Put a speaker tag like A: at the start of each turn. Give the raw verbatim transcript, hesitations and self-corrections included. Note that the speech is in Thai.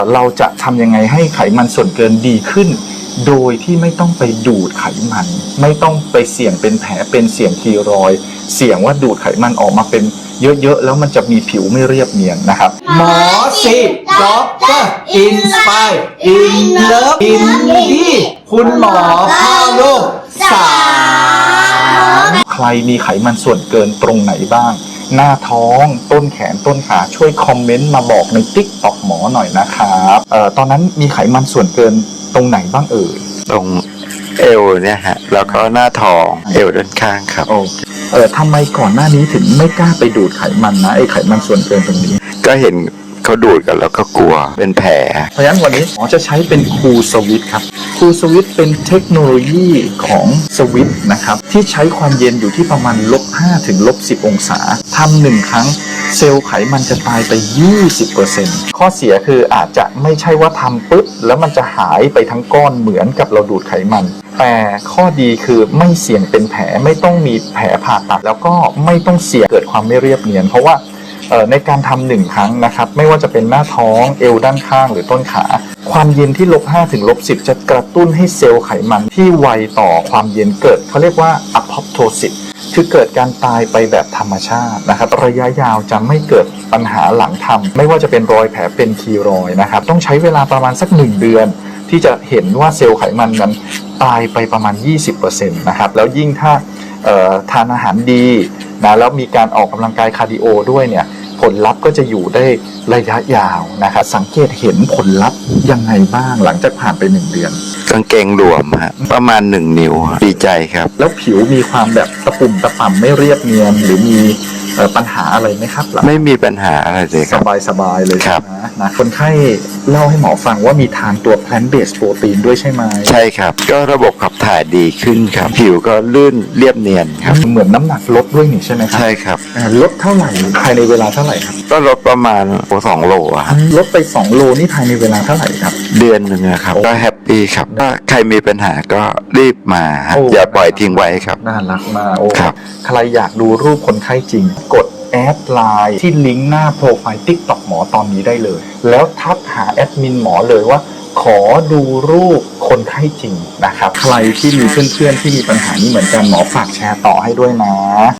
A: เราจะทำยังไงให้ไขมันส่วนเกินดีขึ้นโดยที่ไม่ต้องไปดูดไขมันไม่ต้องไปเสี่ยงเป็นแผลเป็นเสี่ยงคีรอยด์เสี่ยงว่าดูดไขมันออกมาเป็นเยอะๆแล้วมันจะมีผิวไม่เรียบเนียนนะครับ
B: หมอสิด็อกเตอร์อินสไปร์อินเลิฟอินดีคุณหมอพ่อลูกสาม
A: ใครมีไขมันส่วนเกินตรงไหนบ้างหน้าท้องต้นแขนต้นขาช่วยคอมเมนต์มาบอกใน ติ๊กต็อก หมอหน่อยนะครับเอ่อตอนนั้นมีไขมันส่วนเกินตรงไหนบ้างเอ่ย
C: ตรงเอวเนี่ยฮะแล้วก็หน้าท้องเอวด้านข้างครับ
A: โอเคเออทำไมก่อนหน้านี้ถึงไม่กล้าไปดูดไขมันนะไอ้ไขมันส่วนเกินตรงนี้
C: ก็เห็นเขาดูดกันแล้วก็กลัวเป็นแผล
A: เพราะฉะนั้นวันนี้หมอจะใช้เป็นคูลสวิตครับคูลสวิตเป็นเทคโนโลยีของสวิตนะครับที่ใช้ความเย็นอยู่ที่ประมาณลบห้าถึงลบสิบองศาทำหนึ่งครั้งเซลล์ไขมันจะตายไป ยี่สิบเปอร์เซ็นต์ ข้อเสียคืออาจจะไม่ใช่ว่าทำปุ๊บแล้วมันจะหายไปทั้งก้อนเหมือนกับเราดูดไขมันแต่ข้อดีคือไม่เสี่ยงเป็นแผลไม่ต้องมีแผลผ่าตัดแล้วก็ไม่ต้องเสี่ยงเกิดความไม่เรียบเนียนเพราะว่าในการทำหนึ่งครั้งนะครับไม่ว่าจะเป็นหน้าท้องเอวด้านข้างหรือต้นขาความเย็นที่ลบห้าถึงลบสิบจะกระตุ้นให้เซลล์ไขมันที่ไวต่อความเย็นเกิดเขาเรียกว่า อะพอปโทซิส คือเกิดการตายไปแบบธรรมชาตินะครับระยะยาวจะไม่เกิดปัญหาหลังทำไม่ว่าจะเป็นรอยแผลเป็นคีรอยด์นะครับต้องใช้เวลาประมาณสักหนึ่งเดือนที่จะเห็นว่าเซลล์ไขมันนั้นตายไปประมาณ ยี่สิบเปอร์เซ็นต์ นะครับแล้วยิ่งถ้าทานอาหารดีนะแล้วมีการออกกำลังกายคาร์ดิโอด้วยเนี่ยผลลัพธ์ก็จะอยู่ได้ระยะยาวนะครับสังเกตเห็นผลลัพธ์ยังไงบ้างหลังจากผ่านไปหนึ่งเดือน
C: กางเกงหลวมฮะประมาณหนึ่งนิ้วดีใจครับ
A: แล้วผิวมีความแบบตะปุ่มตะป่ำไม่เรียบเนียนหรือมีปัญหาอะไรไหมครับ
C: ไม่มีปัญหาอะไรเลยครับ
A: สบายสบายเลย
C: ครับ
A: นะนะคนไข้เล่าให้หมอฟังว่ามีทานตัว plant based protein ด้วยใช่ไหม
C: ใช่ครับก็ระบบขับถ่ายดีขึ้นครับผิวก็ลื่นเรียบเนียนครับ
A: เหมือนน้ำหนักลดด้วยนี่ใช่ไหมครับ
C: ใช่ครับ
A: ลดเท่าไหร่ภายในเวลาเท่าไหร่ครับ
C: ก็ลดประมาณสองโลครับ
A: ลดไปสองโลนี่ภายในเวลาเท่าไหร่ครับ
C: เดือนหนึ่งนะครับก็แฮปปี้ครับถ้าใครมีปัญหาก็รีบมาอย่าปล่อยทิ้งไว้ครับ
A: น่ารักมากโอ้ใครอยากดูรูปคนไข้จริงกดแอดไลน์ที่ลิงก์หน้าโปรไฟล์ ติ๊กต็อก หมอตอนนี้ได้เลยแล้วทักหาแอดมินหมอเลยว่าขอดูรูปคนไข้จริงนะครับใครที่มีเพื่อนๆที่มีปัญหานี้เหมือนกันหมอฝากแชร์ต่อให้ด้วยนะ